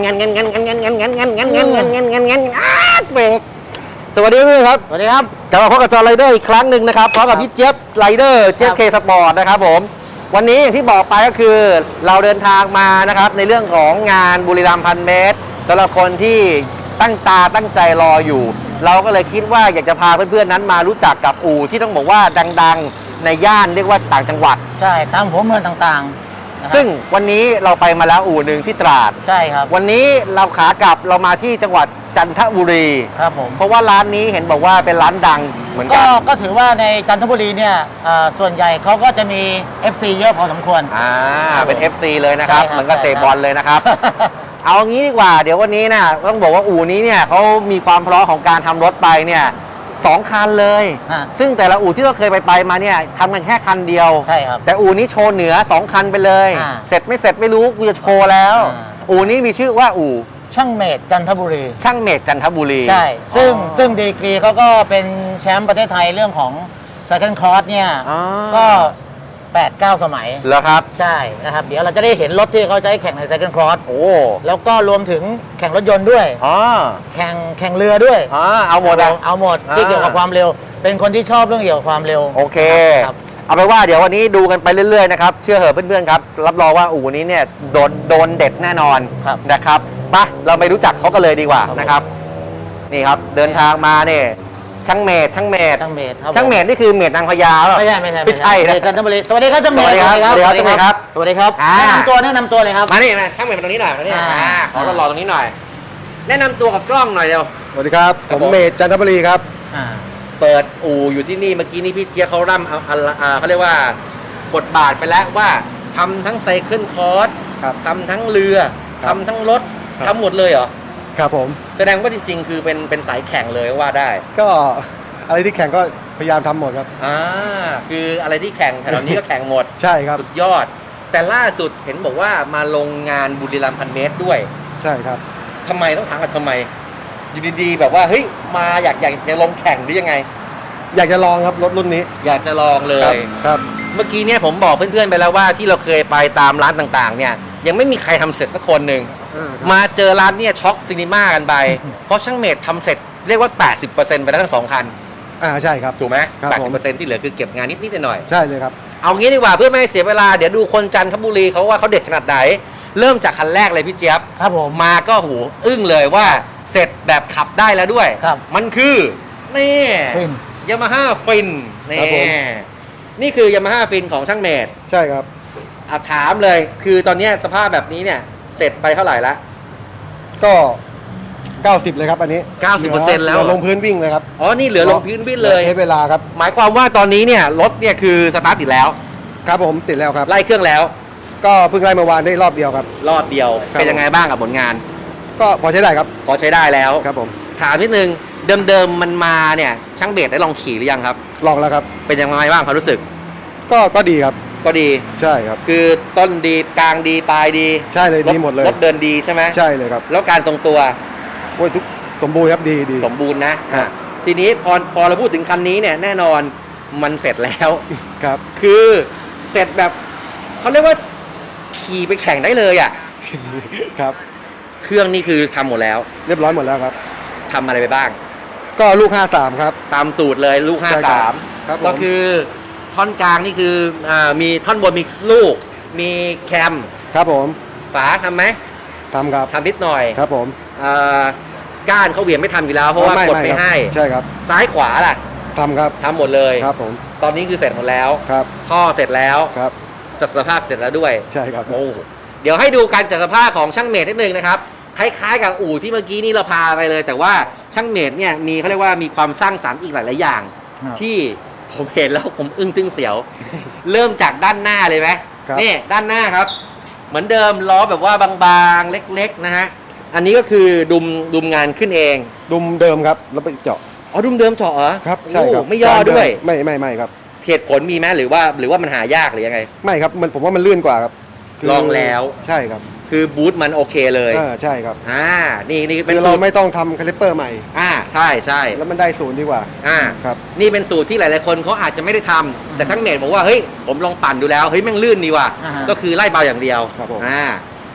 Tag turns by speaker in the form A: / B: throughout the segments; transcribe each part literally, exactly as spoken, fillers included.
A: งันงันงันงันงันงันงันงันงันงันงันงันงันงันอาเบรกสวัสดีเพื่อนครับสวัสดีครับกลับมาพบกับจอไรเดอร์อีกครั้งหนึ่งนะครับพร้อมกับพี่เจี๊ยบไรเดอร์เจี๊ยบเคสปอร์ตนะครับผมวันนี้อย่างที่บอกไปก็คือเราเดินทางมานะครับในเรื่องของงานบุรีรัมย์พันเมตรสำหรับคนที่ตั้งตาตั้งใจรออยู่เราก็เลยคิดว่าอยากจะพาเพื่อนๆนั้นมารู้จักกับอู่ที่ต้องบอกว่าดังๆในย่านเรียกว่าต่างจังหวัด
B: ใช่ตามหัวเมืองต่างๆ
A: ซึ่งวันนี้เราไปมาแล้วอู่หนึ่งที่ตราด
B: ใช่ครับ
A: วันนี้เราขากลับเรามาที่จังหวัดจันทบุรี
B: ครับผม
A: เพราะว่าร้านนี้เห็นบอกว่าเป็นร้านดังเหมือนกั
B: นก็ถือว่าในจันทบุรีเนี่ยส่วนใหญ่เขาก็จะมี เอฟ ซี เยอะพอสมควร
A: อ่าเป็น เอฟ ซี เลยนะครับเหมือนกับเตะบอลเลยนะครับเอางี้ดีกว่าเดี๋ยววันนี้นะต้องบอกว่าอู่นี้เนี่ยเขามีความพร้อมของการทำรถไปเนี่ยสองคันเลยซึ่งแต่ละอู่ที่เราเคยไปไปมาเนี่ยทำกันแค่คันเดียว
B: ใช่ครับ
A: แต่อู่นี้โชว์เหนือสองคันไปเลยเสร็จไม่เสร็จไม่รู้กูจะโชว์แล้วอู่นี้มีชื่อว่าอู่
B: ช่างเมธจันทบุรี
A: ช่างเมธจันทบุรี
B: ใช่ซึ่งซึ่งดีกรีเขาก็เป็นแชมป์ประเทศไทยเรื่องของ Second Cross เนี่ยก็แปด เก้า สมัย
A: แล้วครับ
B: ใช่นะครับเดี๋ยวเราจะได้เห็นรถที่เขาใช้แข่งใน Second Cross
A: โอ้
B: แล้วก็รวมถึงแข่งรถยนต์ด้วย
A: อ๋อ
B: แข่งแข่งเรือด้วย
A: อ๋อเอาหมด
B: เอาหมดที่เกี่ยวกับความเร็วเป็นคนที่ชอบเรื่องเกี่ยวกับความเร็ว
A: โอเคเอาไปว่าเดี๋ยววันนี้ดูกันไปเรื่อยๆนะครับเชื่อเหอะเพื่อนๆครับรับรองว่าอู่นี้เนี่ยโดนโดนเด็ดแน่นอนนะครับไปเราไปรู้จักเขากันเลยดีกว่านะครับนี่ครับเดินทางมาเนี่ยช่างเมธช่างเมธ
B: ช่างเมธ
A: ช่างเมธนี่คือเมธนางพญา
B: ไม่ใช่ไม่ใช่
A: ไม่ใช่
B: จันทบุรีสวัสดีครับช่างเมธ
A: สวัสดีครับสวัสดีครับ
B: สวัสดีครับแนะนำตัวแนะนำตัวเลยครับ
A: มานี่มาช่างเมธมาตรงนี้หน่อยมานี่ขอรอตรงนี้หน่อยแนะนำตัวกับกล้องหน่อยเร็ว
C: สวัสดีครับผมเมธจันทบุรีครับ
A: เปิดอู่อยู่ที่นี่เมื่อกี้นี่พี่เจี๊ยบเขาร่ำเขาเรียกว่าบทบาทไปแล้วว่าทำทั้งไซเคิลคอร์สทำทั้งเรือทำทั้งรถทำหมดเลยเหรอ
C: ครับผม
A: แสดงว่าจริงๆคือเป็นเป็นสายแข่งเลยว่าได้
C: ก็อะไรที่แข่งก็พยายามทำหมดครับ
A: อ่าคืออะไรที่แข่งแถวนี้ก็แข่งหมด
C: ใช่ครับ
A: สุดยอดแต่ล่าสุดเห็นบอกว่ามาลงงานบุรีรัมย์พันเมตรด้วย
C: ใช่ครับ
A: ทำไมต้องถามกันทำไมอยู่ดีๆแบบว่าเฮ้ยมาอยากอยากจะลงแข่งหรือยังไง
C: อยากจะลองครับรถรุ่นนี้
A: อยากจะลองเลย
C: ครับ
A: เมื่อกี้เนี่ยผมบอกเพื่อนๆไปแล้วว่าที่เราเคยไปตามร้านต่างๆเนี่ยยังไม่มีใครทำเสร็จสักคนหนึ่งมาเจอร้านเนี่ยช็อกซินิม่ากันไปเพราะช่างเมธทำเสร็จเรียกว่า แปดสิบเปอร์เซ็นต์ ไปแล้วทั้งสองคัน
C: อ่าใช่ครับ
A: ถูกไหม แปดสิบเปอร์เซ็นต์ ที่เหลือคือเก็บงานนิดๆหน่อย
C: ใช่เลยครับ
A: เอางี้ดีกว่าเพื่อไม่ให้เสียเวลาเดี๋ยวดูคนจันทบุรีเขาว่าเขาเด็ดขนาดไหนเริ่มจากคันแรกเลยพี่เจี๊ยบ
B: ครับผม
A: มาก็โหอึ้งเลยว่าเสร็จแบบขับได้แล้วด้วยมันคือนี่ยามาฮ่าฟินนี่นี่คือยามาฮ่าฟินของช่างเมธ
C: ใช่ครับ
A: อ่ะถามเลยคือตอนนี้สภาพแบบนี้เนี่ยเสร็จไปเท่าไหร่ละ
C: ก็เก้าสิบเลยครับอันนี้
A: เก้าสิบเปอร์เซ็นต์ แล้ว
C: ลงพื้นวิ่งเลยครับ
A: อ๋อนี่เหลือลงพื้นวิ่งเลย
C: ใช้เวลาครับ
A: หมายความว่าตอนนี้เนี่ยรถเนี่ยคือสตาร์ทติดแล้ว
C: ครับผมติดแล้วครับ
A: ไล่เครื่องแล้ว
C: ก็เพิ่งไล่เมื่อวานได้รอบเดียวครับ
A: รอบเดียวเป็นยังไงบ้างกับผลงาน
C: ก็พอใช้ได้ครับ
A: พอใช้ได้แล้ว
C: ครับผม
A: ถามนิดนึงเดิมๆมันมาเนี่ยช่างเบสได้ลองขี่หรือยังครับ
C: ลองแล้วครับ
A: เป็นยังไงบ้างความรู้สึก
C: ก็ก็ดีครับ
A: ก็ดี
C: ใช่ครับ
A: คือต้นดีกลางดีปลายดี
C: ใช่เลยดีหมดเลย
A: รถเดินดีใช่ไหม
C: ใช่เลยครับ
A: แล้วการทรงตัว
C: โอ้ยทุกสมบูรณ์ครับดีดี
A: สมบูรณ์นะทีนี้พอพอเราพูดถึงคันนี้เนี่ยแน่นอนมันเสร็จแล้ว
C: ครับ
A: คือเสร็จแบบเขาเรียกว่าขี่ไปแข่งได้เลยอ่ะ
C: ครับ
A: เครื่องนี่คือทำหมดแล้ว
C: เรียบร้อยหมดแล้วครับ
A: ทำอะไรไปบ้าง
C: ก็ลูกห้าสามครับ
A: ตามสูตรเลยลูกห้าสามก็คือท่อนกลางนี่คืออ่ามีท่อนบนมีลูกมีแคม
C: ครับผม
A: ฝาทำไหม
C: ทำครับ
A: ทำนิดหน่อย
C: ครับผม
A: อ่าก้านเขาเหวี่ยงไม่ทำอยู่แล้วเพราะว่ากดไม่ให้
C: ใช่ครับ
A: ซ้ายขวาล่ะ
C: ทำครับ
A: ทำหมดเลย
C: ครับผม
A: ตอนนี้คือเสร็จหมดแล้ว
C: ครับ
A: ท่อเสร็จแล้ว
C: ครับ
A: จัดสภาพเสร็จแล้วด้วย
C: ใช่ครับ
A: โอ้เดี๋ยวให้ดูการจัดสภาพของช่างเมธนิดนึงนะครับคล้ายๆกับอู่ที่เมื่อกี้นี่เราพาไปเลยแต่ว่าช่างเมธเนี่ยมีเขาเรียกว่ามีความสร้างสรรค์อีกหลายๆอย่างที่ผมเห็นแล้วผมอึ้งตึงเสียวเริ่มจากด้านหน้าเลยไหมนี่ด้านหน้าครับเหมือนเดิมล้อแบบว่าบางๆเล็กๆนะฮะอันนี้ก็คือดุมดุมงานขึ้นเอง
C: ดุมเดิมครับแล้วไปเจาะ
A: อ๋อดุมเดิมเจาะเหรอ
C: ครับใช่ครับ
A: ไม่ย่อด้วย
C: ไม่ไม่ไม่ครับ
A: เหตุผลมีไหมหรือว่าหรือว่ามันหายากหรือยังไง
C: ไม่ครับมันผมว่ามันลื่นกว่าครับ
A: ลองแล้ว
C: ใช่ครับ
A: คือบูทมันโอเคเลย
C: อ่าใช่ครับ
A: อ่านี่นี่
C: เป็นเราไม่ต้องทำคาลิปเปอร์ใหม่
A: อ่าใช่ใช่
C: แล้วมันได้ศูนย์ดีกว่า
A: อ่า
C: ครับ
A: นี่เป็นสูตรที่หลายๆคนเขาอาจจะไม่ได้ทำแต่ช่างเมธบอกว่าเฮ้ยผมลองปั่นดูแล้วเฮ้ยแม่งลื่นดีว่ะก็คือไล่เบาอย่างเดียว
C: ครับผม
A: อ่า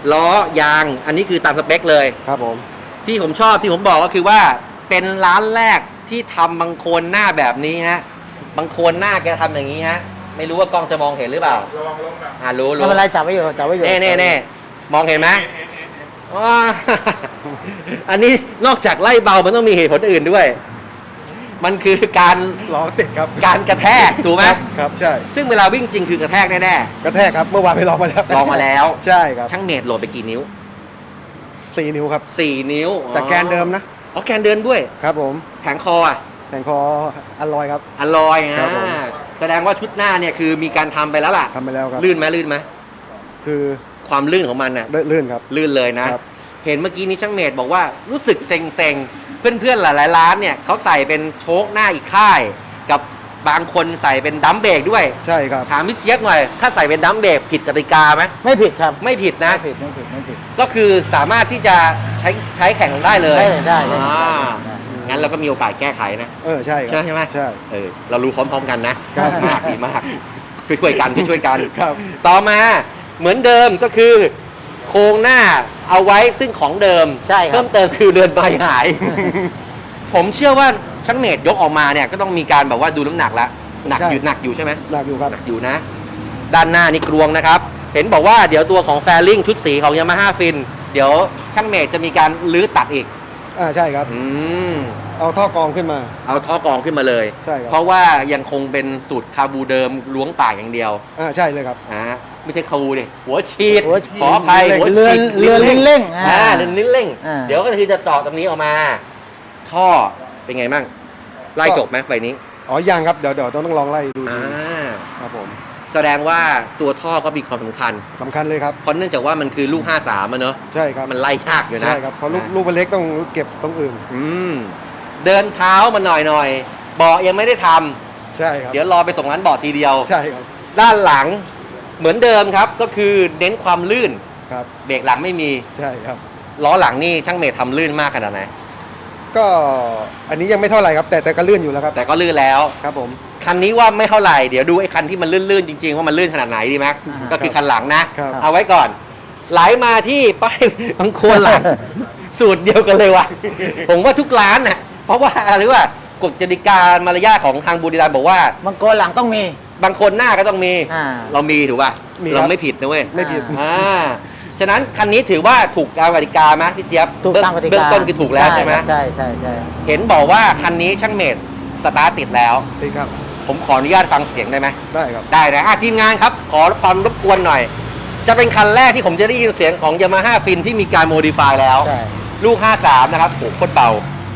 A: ล้อยางอันนี้คือตามสเปคเลย
C: ครับผม
A: ที่ผมชอบที่ผมบอกก็คือว่าเป็นร้านแรกที่ทำบังโคลนหน้าแบบนี้ฮะบังโคลนหน้าแกทำอย่างนี้ฮะไม่รู้ว่ากล้องจะมองเห็นหรือเปล่าระวังล้มอ่ารู้
B: ไม่
A: รู้
B: เป็นไรจับไว้อยู่จับไว้อยู่
A: เน่เน่เน่มองเห็นไหมอ๋อ อันนี้นอกจากไล่เบามันต้องมีเหตุผลอื่นด้วย มันคือการ
C: ล้อติดครับ
A: การกระแทกถูกไหม
C: ครับครับใช่
A: ซึ่งเวลาวิ่งจริงคือกระแทกแน่
C: กระแทกครับเมื่อวานไปลองมาแล้ว
A: ๆลองมาแล้ว
C: ใช่ครับ
A: ช่างเมตรโหลดไปกี่นิ้ว
C: สี่นิ้วครับ
A: สี่นิ้ว
C: จากแกนเดิมนะ
A: อ๋อแกนเดินด้วย
C: ครับผม
A: แผงคออ่ะ
C: แต่งคออลลอยครับ
A: อลอย
C: ครั
A: อ่ะ
C: บผม
A: แสดงว่าชุดหน้าเนี่ยคือมีการทำไปแล้วล่ะ
C: ทำไปแล้วครับ
A: ลื่นไหมลื่นไหม
C: คือ
A: ความลื่นของมันน่ะ
C: ลื่นครับ
A: ลื่นเลยนะ
C: ครับ
A: เห็นเมื่อกี้นี้ช่างเมตรบอกว่ารู้สึกเซ็งๆ เพื่อนๆหลายๆร้านเนี่ยเขาใส่เป็นโชคหน้าอีกค่าย กับบางคนใส่เป็นดัมเบรกด้วย
C: ใช่ครับ
A: ถามพี่เจี๊ยบหน่อย ถ้าใส่เป็นดัมเบรกผิดกติกาไหม
B: ไม่ผิดครับ
A: ไม่ผิดนะ
B: ไม่ผิดไม่ผิดไม่ผิด
A: ก็คือสามารถที่จะใช้ใช้แข่งได้เลย
B: ได้เลยได้เลย
A: อ่า
B: ได้เลย
A: งั้นเราก็มีโอกาสแก้ไขนะ
C: เออใช่ครั
A: ใช่ใช่ไหม
C: ใช่
A: เออเรารู้พร้อมๆกันนะครับ มากดีมากช่วยๆกันช่วยๆกัน
C: ครับ
A: ต่อมาเหมือนเดิมก็คือโครงหน้าเอาไว้ซึ่งของเดิม
B: ใช่ครับ
A: เพิ่มเติมคือเรือนใบหาย ผมเชื่อว่าช่างเมตรยกออกมาเนี่ยก็ต้องมีการแบบว่าดูน้ำหนักแล้วหนัก
C: ใช่
A: อยู่หนักอยู่ใช่ไหม
C: หนักอยู่ครับ
A: หนักอยู่นะ ด้านหน้านี่กรวงนะครับ เห็นบอกว่าเดี๋ยวตัวของแฟลิงชุดสีของยามาฮ่าฟินเดี๋ยวช่างเมตรจะมีการลื้อตัดอีก
C: อ่าใช่ครับ
A: อืม
C: เอาท่อกรองขึ้นมา
A: เอาท่อกรองขึ้นมาเลย
C: ใช่ครับ
A: เพราะว่ายังคงเป็นสูตรคาบูเดิมล้วงปากอย่างเดียว
C: อ่าใช่เลยครับ
A: อ่าไม่ใช่คาบูดิหัวฉีด
B: หัวฉีด
A: ขออภัยหัว
B: เรื
A: ฉี
B: อน
A: ด
B: เรือนลิ้นเร่ง
A: อ่า
B: อ่า
A: เรือนลิ้นเร่ง
B: อ่า
A: เดี๋ยวก็คือจะเจาะตรงนี้ออกมา ท่อเป็นไงบ้างไล่จบไหมใบนี้
C: อ๋อยังครับเดี๋ยวเดี๋ยวต้องลองไล่ดู
A: อ่
C: ดี
A: า
C: ครับผม
A: แสดงว่าตัวท่อก็มีความสำคัญ
C: สำคัญเลยครับ
A: เพราะเนื่องจากว่ามันคือลูกห้าสามอะเนอะ
C: ใช่ครับ
A: มันไล่ยากอยู่นะ
C: ใช่ครับเพราะลูกลูกมันเล็กต้องเก็บตรงอื่น
A: อืมเดินเท้ามาหน่อยหน่อยๆเบาะยังไม่ได้ทำ
C: ใช่ครับ
A: เดี๋ยวรอไปส่งร้านเบาะทีเดียว
C: ใช่ครับ
A: ด้านหลังเหมือนเดิมครับก็คือเน้นความลื่น
C: ครับ
A: เบรกหลังไม่มี
C: ใช่ครับ
A: ล้อหลังนี่ช่างเมททำลื่นมากขนาดไหน
C: ก็อันนี้ยังไม่เท่าไหร่ครับ แต่แต่ก็ลื่นอยู่แล้วครับ
A: แต่ก็ลื่นแล้ว
C: ครับผม
A: คันนี้ว่าไม่เท่าไหร่เดี๋ยวดูไอ้คันที่มันลื่นๆจริงๆว่ามันลื่นขนาดไหนดีไหม
B: อ่า
A: ก็คือคันหลังนะ
C: ครับ
A: เอาไว้ก่อน ไหลมาที่ป้ายบางโคนหลัง สูตรเดียวกันเลยว่ะ ผมว่าทุกร้านน่ะเพราะว่าอะไรว่ากฎกติกามารยาทของทางบุรีรัมย์บอกว่า
B: บางโกนหลังต้องมี
A: บางคนหน้าก็ต้องมี
B: อ่า
A: เรามีถูกป่ะ
C: มีครับ
A: เราไม่ผิดนะเว้ย
C: ไม่ผิด
A: อ่าฉะนั้นคันนี้ถือว่าถูกตามกติกาไหมพี่เจี๊ยบ
B: ถูกตามกติกา
A: เบื้องต้นคือถูกแล้วใช่ไหม
B: ใช่ใช่ใช่
A: เห็นบอกว่าคันนี้ช่างเมดสตาร์ทติดแล้ว
C: ดีครับ
A: ผมขออนุญาตฟังเสียงได้ไหม
C: ได้ครับ
A: ได้นะอ่ะทีมงานครับ ขอความรบกวนหน่อย จะเป็นคันแรกที่ผมจะได้ยินเสียงของ Yamaha Fin ที่มีการโมดิฟายแล้ว
B: ใช่
A: ลูก ห้าสาม นะครับโหโคตรเบา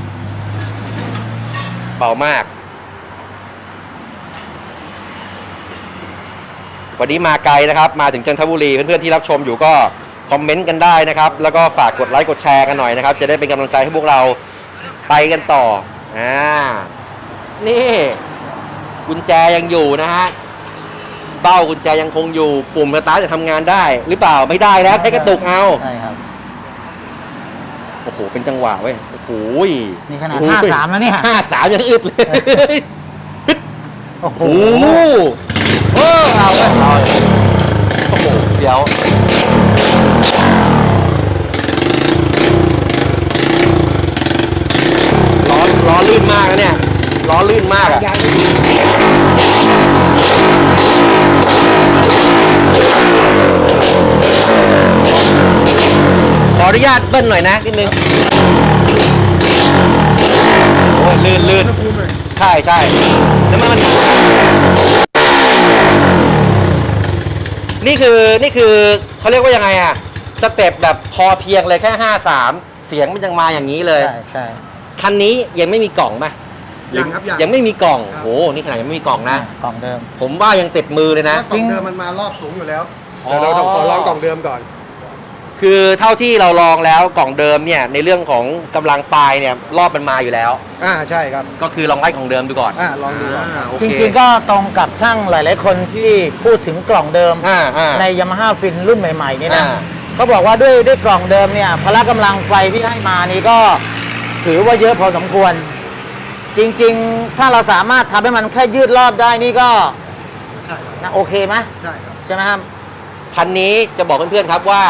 A: เบามาก วันนี้มาไกลนะครับ มาถึงจันทบุรี เพื่อนๆที่รับชมอยู่ก็คอมเมนต์กันได้นะครับ แล้วก็ฝากกดไลค์กดแชร์กันหน่อยนะครับ จะได้เป็นกำลังใจให้พวกเราไปกันต่ออ่านี่กุญแจยังอยู่นะฮะเบ้ากุญแจยังคงอยู่ปุ่มสตาร์ทจะทำงานได้ หรือเปล่าไม่ได้แล้วแค่กระตุกเอา
B: ใช่ครับ
A: โอ้โหเป็นจังหวะเว้ยโอ้โห
B: นี่ขนาดห้าสามแล้วเนี่ย
A: ห้าสามยังอึดเลย
B: โอ้โห
A: โอ้โหเออเอาเว้ยเอาโอ้โหเดี๋ยวล้อล้อลื่นมากนะเนี่ยล้อลื่นมากอะขออนุญาตเบิ้ลหน่อยนะนิดนึงโอ้ยลื่นลื่นใช่ใช่แล้วมันนี่คือนี่คือเขาเรียกว่ายังไงอะสเต็ปแบบพอเพียงเลยแค่ห้าสามเสียงมันยังมาอย่างนี้เลย
B: ใช่ใช่
A: คันนี้ยังไม่มีกล่องป่ะ
C: ยังครับยัง
A: ยังไม่มีกล่อง
C: ครับ
A: โอ้นี่ขนาดยังไม่มีกล่องนะ
B: กล่องเดิม
A: ผมว่ายังติดมือเลยนะ
C: เพราะกล่องเดิมมันมารอบสูงอยู่แล้ว
A: อ๋อ
C: เดี๋ยวเราต้องขอลองกล่องเดิมก่อน
A: คือเท่าที่เราลองแล้วกล่องเดิมเนี่ยในเรื่องของกำลังปลายเนี่ยรอบมันมาอยู่แล้ว
C: อ่าใช่ครับ
A: ก็คือลองไล่กล่องเดิมดูก่อน
C: อ่าลองดูก่อน
A: อ่าโอ
B: จ
A: เค
B: ริงๆก็ตรงกับช่างหลายๆคนที่พูดถึงกล่องเดิม
A: อ่าอ่า
B: ใน Yamaha Fin รุ่นใหม่ๆนี่นะ
A: อ่า
B: เขาบอกว่าด้วยด้วยกล่องเดิมเนี่ยพละกำลังไฟที่ให้มานี่ก็ถือว่าเยอะพอสมควร จริงๆ ถ้าเราสามารถทำให้มันแค่ยืดรอบได้นี่ก็
C: ใช่ครับ
B: นะโอเคไหม
C: ใช่ครับ
B: ใช่ไหมครับ
A: คันนี้จะบอกเพื่อนๆครับว่า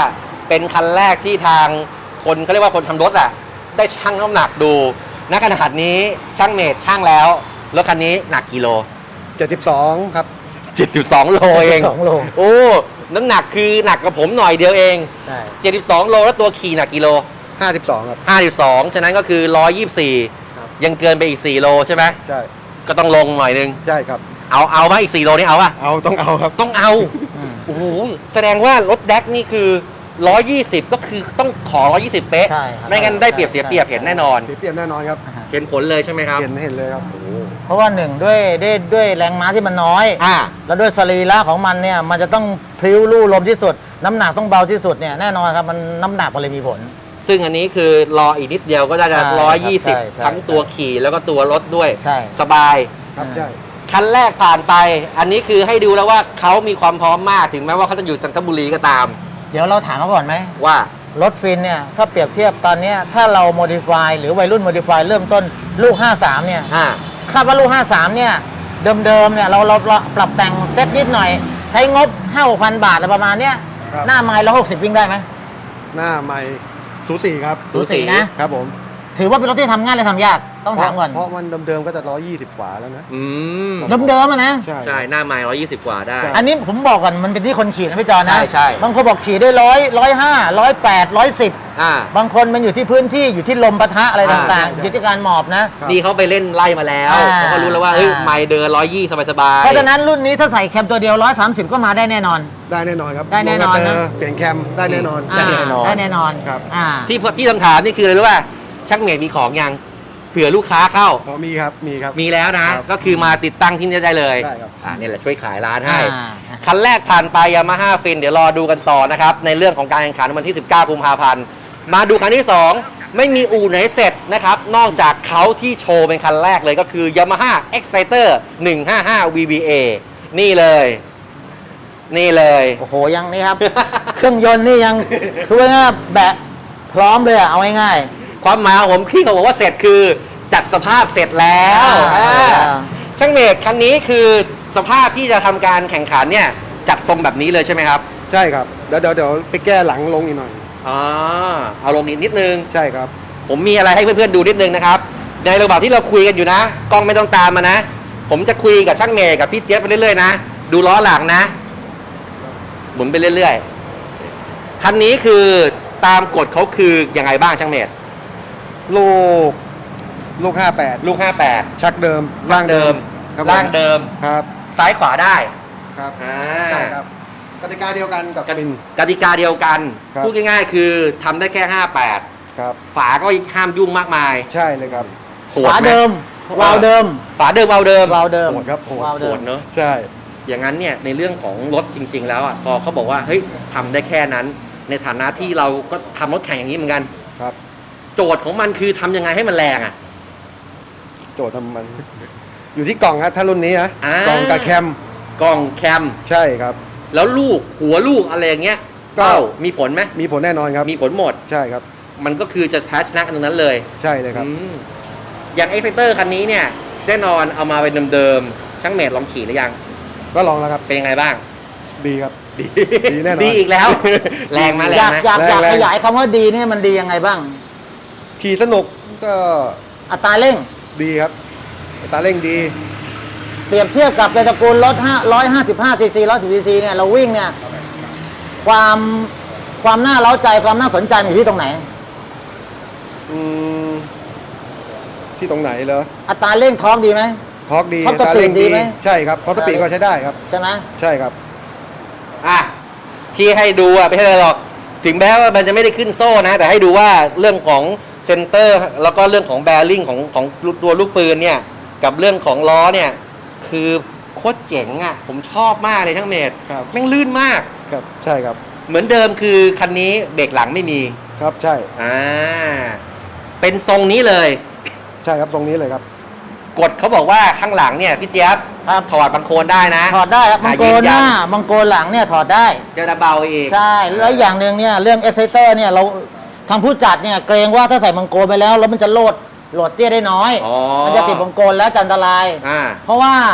A: เป็นคันแรกที่ทางคนเขาเรียกว่าคนทำรถอ่ะได้ชั่งน้ำหนักดูณขนาดนี้ช่างเมตรช่างแล้วรถคันนี้หนักกี่โล
C: เจ็ดสิบสองครับ
A: เจ็ดสิบสองโลเอง
B: สองโล
A: โอ้น้ำหนักคือหนักกับผมหน่อยเดียวเอง
B: ใช่
A: เจ็ดสิบสองโลแล้วตัวขี่หนักกี่โล
C: ห้าสิบสองครับ
A: ห้าสิบสองฉะนั้นก็คือหนึ่งร้อยยี่สิบสี่
C: ครับ
A: ยังเกินไปอีกสี่โลใช่ไหม
C: ใช่
A: ก็ต้องลงหน่อยนึง
C: ใช่ครับ
A: เอาเอาไหมอีกสี่โลนี่เอาป่ะ
C: เอาต้องเอาครับ
A: ต้องเอา
B: อืม
A: โอ้โหแสดงว่ารถแดกนี่คือหนึ่งร้อยยี่สิบก็คือต้องขอหนึ่งร้อยยี่สิบเป๊ะ
B: ใช่ครับ
A: ไม่งั้นได้เปรียบเสียเปรียบ
B: ใช่
A: เห็นแน่นอน
C: เปรียบเทียบแน่นอนครับ
A: เห็นผลเลยใช่ไหมครับ
C: เห็นเห็นเลยครับ
B: เพราะว่าหนึ่งด้วยด้วยด้วยแรงม้าที่มันน้อย
A: อ่า
B: แล้วด้วยสรีระของมันเนี่ยมันจะต้องพลิ้วลู่ลมที่สุด น้ำหนักต้องเบาที่สุดเนี่ยแน่นอนครับมันน้ำหนักมันเลยมีผล
A: ซึ่งอันนี้คือรออีกนิดเดียวก็จะ
B: ใช่
A: ร้อยยี่สิบ
B: ใช่ใช่
A: ทั้งตัวขี่แล้วก็ตัวรถด้วย
B: ใช่
A: สบาย
C: ครับใช่
A: คันแรกผ่านไป อันนี้คือให้ดูแล้วว่าเขามีความพร้อมมากถึงแม้ว่าเขาจะอยู่จันทบุรีก็ตาม
B: เดี๋ยวเราถามเขาก่อนไหม
A: ว่า
B: รถฟินเนี่ยถ้าเปรียบเทียบตอนเนี้ยถ้าเราโมดิฟายหรือวัยรุ่นโมดิฟายเริ่มต้นลูก ห้าสาม เนี่ย
A: อ่า
B: คาดว่าลูก ห้าสาม เนี่ยเดิมๆเนี่ยเราเราเราปรับแต่งเซ็ตนิดหน่อย ใช้งบ ห้าหกพัน บาทอะไรประมาณเนี้ย
C: ครับ
B: หน้าไมล์ร้อยหกสิบวิ่งได้ไหม
C: หน้าใหม่สูสีครับ
A: สูสี
B: นะ
C: ครับผม
B: ถือว่าเป็นรถที่ทำง่ายเลยทำยากต้องถามก่อน
C: เพราะมันเดิมๆก็จะร้อยยี่สิบฝาแล้วนะ
A: อืม
B: เดิมๆอะนะ
C: ใช่
A: ใช่ หน้าไม้ร้อยยี่สิบกว่าได้
C: ใช่
B: อันนี้ผมบอกก่อนมันเป็นที่คนขี่นะพี่จอนะ
A: ใช่ใช่
B: บางคนบอกขี่ได้ร้อยร้อยห้าร้อยแปดร้อยสิบ
A: อ่า
B: บางคนมันอยู่ที่พื้นที่อยู่ที่ลมปะทะอะไร
A: อ่า
B: ต่าง
C: ใช่
B: ๆ อยู่ที่การหมอบนะ
C: ครับ
A: นี่เขาไปเล่นไล่มาแล้ว
B: อ่า
A: เขาก็รู้แล้วว่าเฮ้ย
B: อ่า
A: ไม้เดินร้อยยี่สบายๆ
B: เพราะฉะนั้นรุ่นนี้ถ้าใส่แคมตัวเดียวร้อยสามสิบก็มาได้แน่นอน
C: ได้แน่นอนครับ
B: ได้แน่นอนนะ
C: โลกาเตร์เปลี่ยนแคมได้แน่นอน
B: อ่าได้แน่นอน
C: ครับ
B: อ่า
A: ที่ที่คำถามนี่คืออะไรรู้ป่ะช่างเมตรมีของยังเผื่อลูกค้าเข้า
C: พอมีครับมีครับ
A: มีแล้วนะ
C: ครับ
A: ก็คือมาติดตั้งที่นี่ได้เลย
C: ได้ครับ
A: อ่านี่แหละช่วยขายร้านให้
B: อ่า
A: คันแรกผ่านไปยามาฮ่าฟินเดี๋ยวรอดูกันต่อนะครับ ในเรื่องของการแข่งขันวันที่ สิบเก้ากุมภาพันธ์มาดูคันที่ สอง ไม่มีอู่ไหนเสร็จนะครับ นอกจากเขาที่โชว์เป็นคันแรกเลยก็คือ Yamaha Exciter หนึ่งห้าห้า วี บี เอ นี่เลย นี่เลย
B: โอ้โหยังนี่ครับ เครื่องยนต์นี่ยังคือว่าง่ายๆแบะพร้อมเลยอะเอาง่าย
A: ความหมายของผมที่เขาบอกว่าเสร็จคือจัดสภาพเสร็จแล้ว
B: อ่า
A: อ่า
B: อ่า
A: ช่างเมตรคันนี้คือสภาพที่จะทำการแข่งขันเนี่ยจัดทรงแบบนี้เลยใช่ไหมครับ
C: ใช่ครับเดี๋ยวเดี๋ยวเดี๋ยวไปแก้หลังลงอีกหน่อย
A: อ๋อเอาลงนิดนิดนึง
C: ใช่ครับ
A: ผมมีอะไรให้เพื่อนๆดูนิดนึงนะครับ ในระหว่างที่เราคุยกันอยู่นะกล้องไม่ต้องตามมานะ ผมจะคุยกับช่างเมย์กับพี่เจี๊ยบไปเรื่อยๆนะ ดูล้อหลังนะ หมุนไปเรื่อยๆ คันนี้คือตามกฎเขาคือยังไงบ้างช่างเมย์
C: ลูกลูกห้าแปด
A: ลูกห้าแปด
C: ชักเดิม
A: ร่างเดิม
C: ครับผม
A: ร่างเดิม
C: ครับ
A: ซ้ายขวาได้
C: ครับ
A: อ่า
C: ใช่ครับกติกาเดียวกันกับ
A: กติ
C: ฟิน
A: กติกาเดียวกัน
C: ครับ
A: พูดง่ายๆคือทำได้แค่ห้าแปด
C: ครับ
A: ฝาก็ห้ามยุ่งมากมาย
C: ใช่เลยครับ
A: โห
B: ๆ
A: ด
B: ฝา
A: ไหม
B: เดิมวาล์วเดิม
A: ฝาเดิมเอาเดิม
B: วาล์วเดิม
C: โหดครับโหด
B: วาล์ว
A: โห
B: เดิม
A: ดเนอะ
C: ใช่
A: อย่างนั้นเนี่ยในเรื่องของรถจริง ๆ แล้วอ่ะพอเขาบอกว่าเฮ้ยทำได้แค่นั้น ในฐานะที่เราก็ทำรถแข่งอย่างนี้เหมือนกัน
C: ครับ
A: โจทย์ของมันคือทำยังไงให้มันแรงอ่ะ
C: โจทย์ทำมัน อยู่ที่กล่องครับถ้ารุ่นนี้นะ
A: อ่าก
C: ล่องกับแคม
A: กล่องแคม
C: ใช่ครับ
A: แล้วลูกหัวลูกอะไรอย่างเงี้ย
C: ก็
A: เป้ามีผลไหม
C: มีผลแน่นอนครับ
A: มีผลหมด
C: ใช่ครับ
A: มันก็คือจะแพ้ชนะกันตรงนั้นเลย
C: ใช่เลยครับ
A: อืมอย่าง Exciter คันนี้เนี่ยแน่นอนเอามาเป็นเดิมๆช่างเมทลองขี่หรือยัง
C: ก็ลองแล้วครับ
A: เป็นยังไงบ้าง
C: ดีครับ
A: ดี
C: ดีแน่นอน
A: ดีอีกแล้ว แรงมาแร
B: อง ยาก
A: นะ
B: อยากอยาก
C: แรงๆ
B: ขยายคำว่าดีเนี่ยมันดียังไงบ้าง
C: ขี่สนุกก็
B: อัตราเร่ง
C: ดีครับอัตราเร่งดี
B: เปรียบเทียบกับในตระกูลรถห้าร้อยห้าสิบห้าซีซีร้อยสิบซีซีเนี่ยเราวิ่งเนี่ยความความน่าเล้าใจความน่าสนใจมันอยู่ที่ตรงไหน
C: อืมที่ตรงไหนเหรอ
B: อัตราเร่งท้องดีไหม
C: ทอร์กดี
B: ท็อปสปีด
C: อัตราเร่ง
B: ดีไหม
C: ใช่ครับทอร์กสปีดก็ใช้ได้ครับ
B: ใช่ไหม
C: ใช่ครับ
A: อ่ะที่ให้ดูอ่ะไม่ใช่อะไรหรอกถึงแม้ว่ามันจะไม่ได้ขึ้นโซ่นะ แต่ให้ดูว่าเรื่องของเซนเตอร์แล้วก็เรื่องของแบริ่งของของตัวลูกปืนเนี่ยกับเรื่องของล้อเนี่ยคือโคตรเจ๋งอ่ะผมชอบมากเลยทั้งเมตร
C: ครับ
A: แม่งลื่นมาก
C: ครับใช่ครับ
A: เหมือนเดิมคือคันนี้เบรกหลังไม่มี
C: ครับใช่
A: อ่าเป็นทรงนี้เลย
C: ใช่ครับตรงนี้เลยครับ
A: กฎเขาบอกว่าข้างหลังเนี่ยพี่เจี๊ยบ
B: ครับ
A: ถอดบังโคลนได้นะ
B: ถอดได้ครับมังโกรหน้ามังโกรหลังเนี่ยถอดได้
A: จะเบาอีก
B: ใช่แล้วอย่างหนึ่งเนี่ยเรื่อง Exciter เนี่ยเราทางผู้จัดเนี่ยเกรงว่าถ้าใส่มังโกรไปแล้วแล้วมันจะโหลดโหลดเตี้ยได้น้อย
A: อ๋อ
B: มันจะติดมังโกรแล้วจะอันตราย
A: อ่า
B: เพราะว่า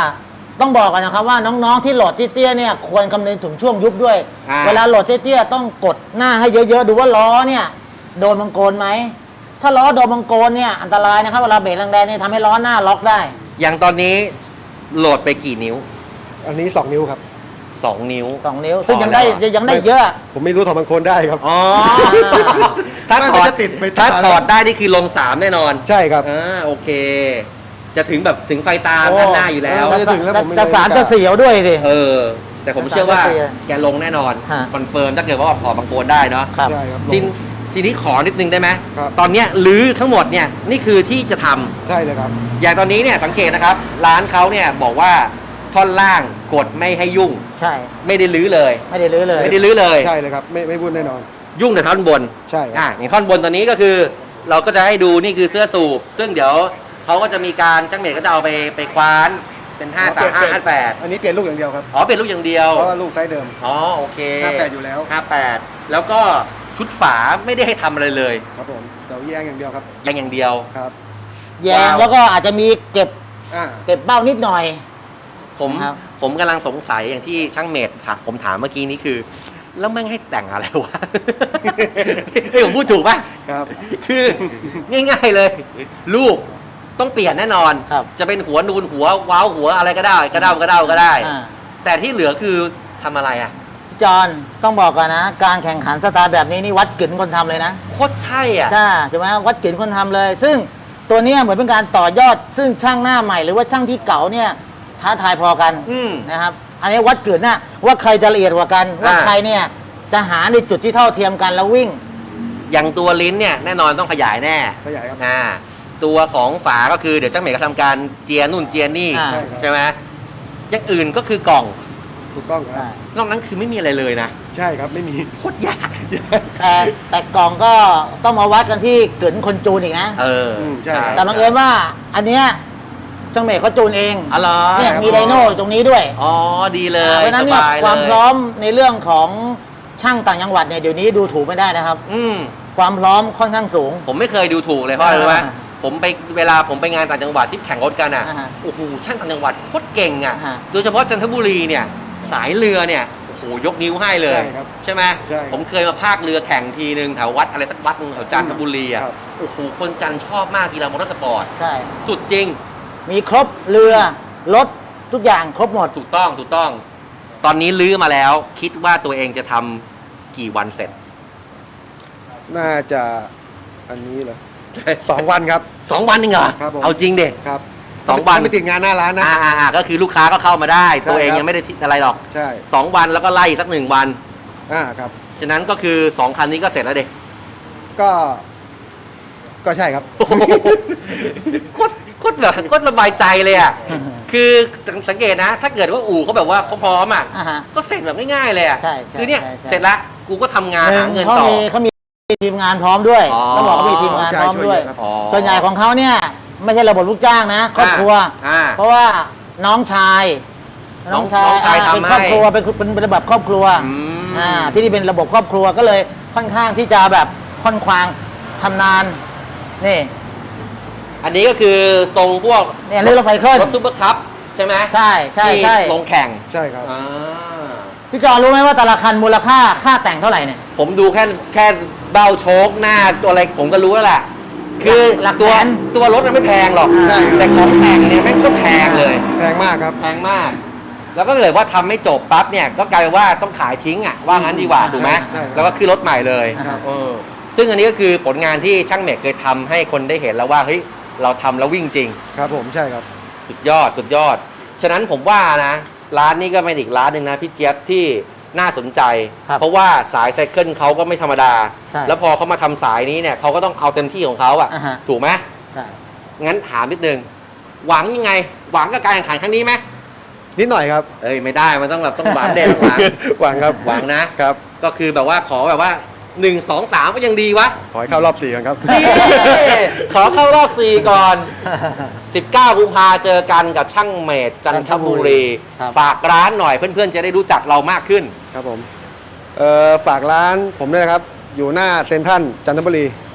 B: ต้องบอกกันนะครับว่าน้องๆที่โหลดเตี้ยๆเนี่ยควรคำนึงถึงช่วงยุบด้วย
A: อ่า
B: เวลาโหลดเตี้ยๆต้องกดหน้าให้เยอะๆดูว่าล้อเนี่ยโดนมังโกนไหมถ้าล้อโดนมังโกนเนี่ยอันตรายนะครับเวลาเบรกแรงๆเนี่ยทำให้ล้อหน้าล็อกได้
A: อย่างตอนนี้โหลดไปกี่นิ้ว
C: อันนี้สองนิ้วครับ
A: สองนิ้ว
B: สองนิ้ว ซึ่งยังได้
A: พอแล้ว
B: ยังได้เยอะ
C: ผมไม่รู้ถอดบางคนได้ครับ
A: อ๋อ ถ้า
C: ไม่
A: ถอด
C: จะติดไป
A: ถ้า
C: ตา
A: ถอดได้นี่คือลงสามแน่นอน
C: ใช่ครับ
A: อ่าโอเค จะถึงแบบถึงไฟตา
B: โอ้
A: ด้านหน้าอยู่แล้ว
C: จะถึงแล้วผมไม่
B: จะ
C: ได้
B: สามจะเสียวด้วยสิ
A: เออ แต่ผมเชื่อว่า
B: จะเสีย
A: แกลงแน่นอน
B: ฮะ
A: คอนเฟิร์มถ้าเกิดว่าถอดบางโกนได้เนาะ
B: ครับ
C: ใช่ครับ
A: ทีทีนี้ขอนิดนึงได้ไหม
C: ครับ
A: ตอนเนี้ยลื้อทั้งหมดเนี่ยนี่คือที่จะทำ
C: ใช่เลยครับ
A: อย่างตอนนี้เนี่ยสังเกตนะครับ ร้านเขาเนี่ยบอกว่าท่อนล่างกดไม่ให้ยุ่ง
B: ใช่
A: ไม่ได้ลื้อเลย
B: ไม่ได้ลื้อเลย
A: ไม่ได้ลื้อเลย
C: ใช่เลยครับ ไม่ไม่พูดแน่นอน
A: ยุ่งแต่ท่อนบน
C: ใช่ครับ
A: อ่ะอย่างท่อนบนตอนนี้ก็คือ เราก็จะให้ดูนี่คือเสื้อสูบซึ่งเดี๋ยวเขาก็จะมีการจ้างเมดก็จะเอาไปไปคว้านเป็นห้าสามห้าห้าแปด
C: อันนี้เปลี่ยนลูกอย่างเดียวครับ
A: อ๋อเป็นลูกอย่างเดียว
C: เพราะว่าลูกไซส์เดิม
A: อ๋อโอเค
C: ห้าแปดอยู่แล้ว
A: ห้าแปดแล้วก็ชุดฝาไม่ได้ให้ทำอะไรเลย
C: ครับผมเดี๋ยวแยงอย่างเดียวครับ
A: ยังอย่างเดียว
C: ครับ
B: แยงแล้วก็อาจจะมีเก็บ
C: อ่า
B: เก็บเบ้านิดหน่อย
A: ผม
B: ครับ
A: ผมกำลังสงสัยอย่างที่ช่างเมดถามผมถามเมื่อกี้นี้คือ แล้วแม่งให้แต่งอะไรวะ เฮ้ยผมพูดถูกป่ะ
C: ครับ
A: คือง่ายๆเลย ลูกต้องเปลี่ยนแน่นอน
B: ครับ
A: จะเป็นหัวนูนหัวว้าวหัวอะไรก็ได้กระเด้ากระเด้าก็ได้
B: อ่า
A: แต่ที่เหลือคือทำอะไรอ่ะ
B: พี่จอนต้องบอกก่อนนะ การแข่งขันสไตล์แบบนี้นี่วัดกึ๋นคนทำเลยนะ
A: โคตรใช่อ่ะ
B: ใช่ใช่ไหมวัดกึ๋นคนทำเลย ซึ่งตัวเนี้ยเหมือนเป็นการต่อยอด ซึ่งช่างหน้าใหม่หรือว่าช่างที่เก่าเนี่ยท้าทายพอกัน
A: อืม
B: นะครับ อันนี้วัดกึ๋นนะว่าใครจะละเอียดกว่ากัน ว่า
A: อ่า
B: ใครเนี่ยจะหาในจุดที่เท่าเทียมกันแล้ววิ่ง
A: อย่างตัวลิ้นเนี่ยแน่นอนต้องขยายแน่
C: ขยายครับ
A: อ่าตัวของฝาก็คือเดี๋ยวจ้างเมดก็ทำการเจียนู่นเจียนี่
B: อ่า
A: ใช่ไหมอย่างอื่นก็คือกล่อง
C: ถูกต้องครับ
A: นอกนั้นคือไม่มีอะไรเลยนะ
C: ใช่ครับ ไม่มี
A: โคตรยาก
B: แต่แต่กล่องก็ต้องมาวัดกันที่กึ๋นคนจูนอีกนะ
A: เออ
C: มใช่ครับ
B: แต่บังเอิญว่าอันเนี้ยช่างเมฆเขาจูนเอง
A: อ๋อเหรอ
B: เนี่ยมีไดโน่อยู่ตรงนี้ด้วย
A: อ๋อดีเลย
B: เพราะฉะนั้นเนี่ย
A: สบล
B: ความพร้อมในเรื่องของช่างต่างจังหวัดเนี่ยเดี๋ยวนี้ดูถูกไม่ได้นะครับ
A: อืม
B: ความพร้อมค่อนข้างสูง
A: ผมไม่เคยดูถูกเลยเพราะอะไรรู้ไหม
B: อ่า
A: ผมไปเวลาผมไปงานต่างจังหวัดที่แข่งรถกันอ่ะ
B: อ่าฮะ
A: โอ้โหช่างต่างจังหวัดโคตรเก่งอ่ะ
B: อ่าฮะ
A: โดยเฉพาะจันทบุรีเนี่ยสายเรือเนี่ยโอ้โหยกนิ้วให้เลย
C: ใช่ครับ
A: ใช่ไหม
C: ใช่ครับ
A: ผมเคยมาภาคเรือแข่งทีนึงแถววัดอะไรสักวัดหนึงแถวจันทบุรีอ่ะ
C: ครับ
A: โอ้โหคนจันทร์ชอบมากกีฬามอเตอร์สปอร์ต
B: ใช่
A: สุดจริง
B: มีครบเรือรถทุกอย่างครบหมด
A: ถูกต้องถูกต้อง ตอนนี้ลื้อมาแล้ว คิดว่าตัวเองจะทำกี่วันเสร็จ
C: น่าจะอันนี้เหรอสองวันครับ
A: สองวันเองเหรอ
C: ครับผม
A: เอาจริงเด็
C: ครับ
A: สองวัน
C: ไม่ติดงานหน้าร้านนะ
A: อ่าอ่าอ่าก็คือลูกค้าก็เข้ามาได้
C: ใช่
A: ตัวเอง
C: ครับ
A: ยังไม่ได้ทิอะไรหรอก
C: ใช่
A: สองวันแล้วก็ไล่อีกสักหนึ่งวัน
C: อ่าครับ
A: ฉะนั้นก็คือสองคันนี้ก็เสร็จแล้วเด็
C: ก็ ก็ใช่ครับ
A: โคตรโคตรแบบโคตรสบายใจเลยอ่ะ คือสังเกตนะ ถ้าเกิดว่าอู่เขาแบบว่าเขาพร้อมอ่ะ
B: อ่าฮะ
A: ก็เสร็จแบบง่ายๆเลยอ่ะ
B: ใช่ใช่
A: คือเนี่ย
B: ใช่ใช่
A: เสร็จละกูก็ทำงานหาเงิน
B: เขา
A: ต่อ
B: มีเขามีทีมงานพร้อมด้วย
A: อ๋อ
B: ต้องบอกเขามีทีมงานพร้อมด้วย
C: ใช่ช่วยเยอะครับ
A: อ๋อ
B: ส่วนใหญ่ของเขาเนี่ยไม่ใช่ระบบลูกจ้างนะครอบครัว
A: อ่า
B: เพราะว่าน้องชาย
A: น้องน้องชาย
B: อ่
A: ทำ
B: เป็นครอบ
A: ให้
B: ครัวเป็นเป็นเป็นระบบครอบครัว
A: อืม
B: อ่าที่นี่เป็นระบบครอบครัวก็เลยค่อนข้างที่จะแบบค่อนควางทำนานนี่
A: อันนี้ก็คือทรงพวก
B: เนี่ยเรื่องรถไฟเคลื่อน
A: รถซูเปอร์คัพใช่ไหม
B: ใช่ใช่
A: ที่
B: ใช่
A: ลงแข่ง
C: ใช่ครับ
A: อ่า
B: พี่จอรู้ไหมว่าแต่ละคันมูลค่าค่าแต่งเท่าไหร่เนี่ย
A: ผมดูแค่แค่เบ้าโชคหน้าตัวอะไรผมก็รู้แล้วแหละ คือ
B: หลัก
A: ตัว
B: แสน
A: ตัวรถมันไม่แพงหรอก
C: ใช่ครับ
A: แต่ของแต่งเนี่ยแม่งก็แพงเลย
C: แพงมากครับ
A: แพงมาก แล้วก็เลยว่าทำไม่จบปั๊บเนี่ยก็กลายเป็นว่าต้องขายทิ้งอ่ะว่างั้นดีกว่าถูกไหม
C: ใช่ครับ
A: แล้วก็ขึ้นรถใหม่เลย
C: ครับ
A: เออซึ่งอันนี้ก็คือผลงานที่ช่างเมกเคยทำให้คนได้เห็นแล้วว่าเฮ้ยเราทำแล้ววิ่งจริง
C: ครับผมใช่ครับ
A: สุดยอดสุดยอด ฉะนั้นผมว่านะร้านนี้ก็เป็นอีกร้านหนึ่งนะพี่เจี๊ยบที่น่าสนใจ
B: ครับ
A: เพราะว่าสายไซเคิลเขาก็ไม่ธรรมดา
B: ใช่
A: แล้วพอเขามาทำสายนี้เนี่ยเขาก็ต้องเอาเต็มที่ของเขาอะ
B: อ่าฮะ
A: ถูกไหม
B: ใช่
A: งั้นถามนิดนึงหวังยังไง หวังกับการแข่งขันครั้งนี้ไหม
C: นิดหน่อยครับ
A: เอ้ยไม่ได้มันต้องแบบต้องหวังเด่นหวัง
C: หวังครับ
A: หวังนะ
C: ครับ
A: ก็คือแบบว่าขอแบบว่าหนึ่งสองสามก็ยังดีวะ
C: ขอให้เข้ารอบสี่กันครับ
A: นี่ ขอเข้ารอบสี่ก่อน สิบเก้ากุมภาเจอกันกับช่างเมดจันทบุรี
B: ครับ
A: ฝากร้านหน่อยเพื่อนๆจะได้รู้จักเรามากขึ้น
C: ครับผม เอ่อฝากร้านผมด้วยนะครับ อยู่หน้าเซ็นทรัลจันทบุรี
A: เ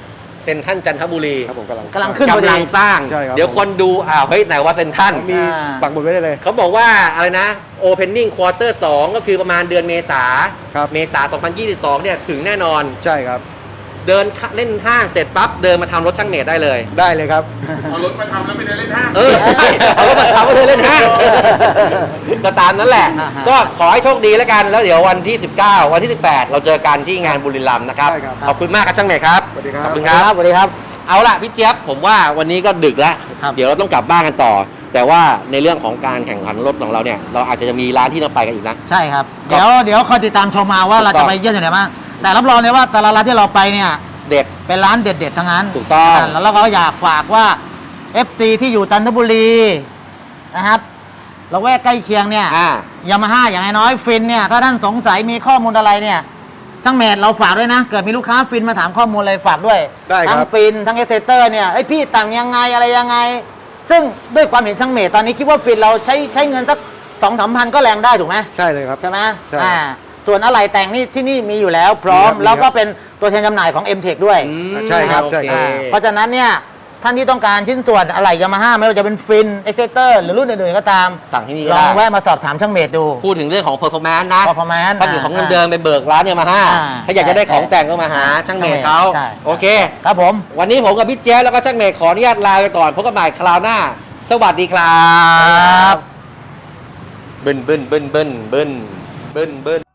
A: ซ็นทรัลจันทบุรี
C: ครับผมกำลัง
B: กำลังขึ้น
A: กำลังสร้าง
C: ใช่ครับ
A: เดี๋ยวคนดูอ้าวเฮ้ยไหนว่าเซ็นทรัล
C: มี
B: อ่า
C: ปักหมุดไว้ได้เลย
A: เขาบอกว่าอะไรนะ Opening Quarter สองก็คือประมาณเดือนเมษา
C: ครับ
A: เมษาสองพันยี่สิบสองเนี่ยถึงแน่นอน
C: ใช่ครับ
A: เดินเล่นห้างเสร็จปั๊บเดินมาทำรถช่างเมดได้เลย
C: ได้เลยครับ
D: เอารถมาทำแล้วไม่ได้เล่นห้าง
A: เออใช่เอารถมาทำก็เธอเล่นห้างก็ตามนั้นแหละ
B: อ่าฮะ
A: ก็ขอให้โชคดีแล้วกันแล้วเดี๋ยววันที่สิบเก้าวันที่สิบแปดเราเจอกันที่งานบุรีรัมย์นะครับ
C: ได้ครับ
A: ขอบคุณมากครับช่างเมดครับ
C: สวัสดีครับ
A: ขอบคุณ
B: ส
A: ค
B: วัสดี
A: รับ
B: ครับสวัสดีครับ
A: เอาล่ะพี่เจี๊ยบผมว่าวันนี้ก็ดึกแล้ว
B: ครับ
A: เดี๋ยวเราต้องกลับบ้านกันต่อ แต่ว่าในเรื่องของการแข่งขันรถของเราเนี่ยเราอาจจะมีร้านที่เราไปกันอีกนะ
B: ใช่ครับ
A: ครับ
B: เดี๋ยวเดี๋ยวคอยติดตามชมมาว่า
A: ถูกต้อง
B: เราจะไปเยี่ยมที่ไหนบ้างแต่รับรองเลยว่าแต่ละร้านที่เราไปเนี่ย
A: เด็ด
B: เป็นร้านเด็ดๆทั้งนั้น
A: ถูกต้อง
B: าแล้วเราก็อยากฝากว่า เอฟ ซี ที่อยู่จันทบุรีนะครับเราแวกใกล้เคียงเนี่ย
A: อ่า
B: ยามาฮ่าอย่างน้อยๆฟินเนี่ยถ้าท่านสงสัยมีข้อมูลอะไรเนี่ยช่างเมดเราฝากด้วยนะ เกิดมีลูกค้าฟินมาถามข้อมูลอะไรฝากด้วย
C: ได้ครับ
B: ทั้งฟินทั้งเอสเตเตอร์เนี่ยไอยพี่ต่างยังไงอะไรยังไง ซึ่งด้วยความเห็นช่างเมดตอนนี้คิดว่าฟินเราใช้ใช้เงินสักสองสามพันก็แรงได้ถูกไหม
C: ใช่เลยครับ
B: ใช่ไหม
C: ใช่
B: อ่าส่วนอะไรแต่งนี่ที่นี่มีอยู่แล้วพร้อม
C: มีครับ
B: แล้วก็เป็นตัวแทนจำหน่ายของ M-Tech ด้วย
A: อืม
C: ใช่ครับ
A: โอเ
C: ใช่ครับ
B: เพราะฉะนั้นเนี่ยท่านที่ต้องการชิ้นส่วนอะไรยามาฮ่าไม่ว่าจะเป็นฟินเอ็กเซเตอร์หรือรุ่นอื่นๆก็ตาม
A: สั่งที่นี่
B: ล
A: ก็
B: อง
A: ได้
B: แวะมาสอบถามช่างเมดดู
A: พูดถึงเรื่องของ performance นะ
B: performance
A: ถ้าอยู่ของเงิน
B: อ่า
A: เดิมไปเบิกร้านเนี่ยมาห้า
B: อ่า
A: ถ้าอยากจะได้ของแต่งก็มาหาช่างเมดเขา
B: ใช่
A: โอเค
B: ครับผม
A: วันนี้ผมกับพี่เจ๊ยบแล้วก็ช่างเมดขออนุญาตลาไปก่อนพบกันใหม่คราวหน้า สวัสดีครับ บึ้นบึ้นบึ้นบึ้นบึ้นบึ้นบึ้น